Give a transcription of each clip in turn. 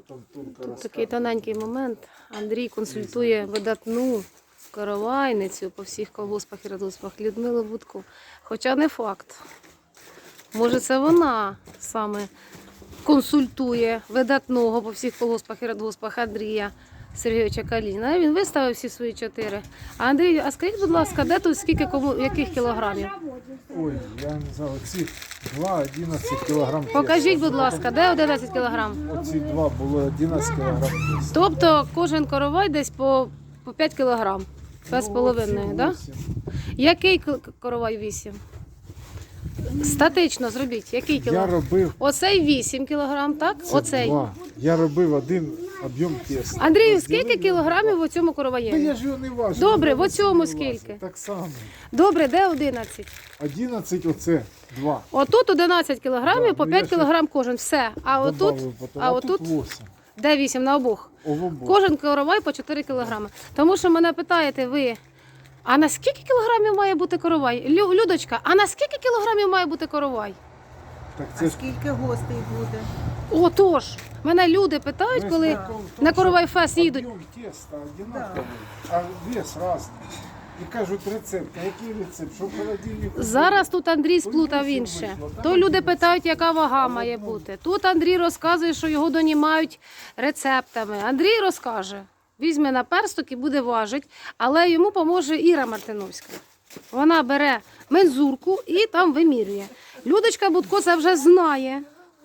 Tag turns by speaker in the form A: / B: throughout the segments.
A: Тут такий тоненький момент. Андрій консультує видатну коровайницю по всіх колгоспах і радгоспах Людмилу Будку. Хоча не факт. Може, це вона саме консультує видатного по всіх колгоспах і радгоспах Андрія Сергійовича Калініна. Він виставив всі свої 4. А Андрій, а скажіть, будь ласка, де тут скільки яких кілограмів?
B: Ой, я не знаю, ці 2-11 кілограм.
A: Покажіть, будь ласка, де 11 кілограм?
B: Оці 2 було 11 кілограм.
A: Тобто кожен коровай десь по 5 кілограм. 5,5, так? Який коровай 8? Статично зробіть. Який
B: Я
A: кілограм?
B: робив
A: Оцей 8 кілограм, так? Оцей.
B: 2. Я робив один об'єм теста.
A: Андрію, скільки кілограмів у цьому
B: Та
A: короваєві?
B: я ж його не важу.
A: Добре,
B: я
A: в оцьому
B: не важу.
A: скільки?
B: Так само.
A: Добре, де 11?
B: 11 оце 2.
A: Отут 11 кілограмів,
B: Да,
A: по
B: ну
A: 5
B: я ще
A: кілограм кожен. Все. А отут?
B: Добавив потім.
A: А отут?
B: 8.
A: Де 8 на обох?
B: Обох.
A: Кожен коровай по 4 кілограми. Тому що мене питаєте ви, а на скільки кілограмів має бути коровай? Людочка, а на скільки кілограмів має бути коровай?
B: Так
C: А
B: це ж
C: скільки гостей буде?
A: Отож, мене люди питають,
B: весь
A: коли
B: прикол в тому,
A: на коровай
B: що
A: фест їдуть.
B: Об'єм теста одинаковий, а вес різний. І кажуть рецепт. А який рецепт? Що в холодильнику?
A: Зараз тут Андрій сплутав інше. То люди питають, яка вага має бути. Тут Андрій розказує, що його донімають рецептами. Андрій розкаже, візьме на персток і буде важити, але йому поможе Іра Мартиновська. Вона бере мензурку і там вимірює. Людочка Будко це вже знає.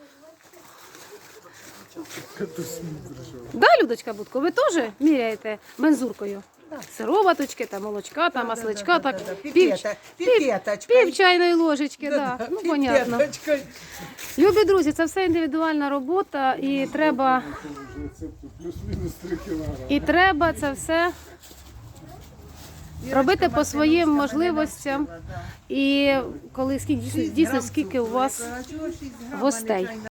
A: Да, Людочка Будко, ви теж міряєте мензуркою? Сироваточки, там молочка, там масличка, так
C: Піпеточка.
A: пів чайної ложечки, да. Ну, понятно.
C: Піпеточка.
A: Любі друзі, це все індивідуальна робота і треба,
B: Рецепту плюс-мінус 3 кілограми.
A: і треба це все робити по своїм можливостям. І коли дійсно скільки у вас гостей.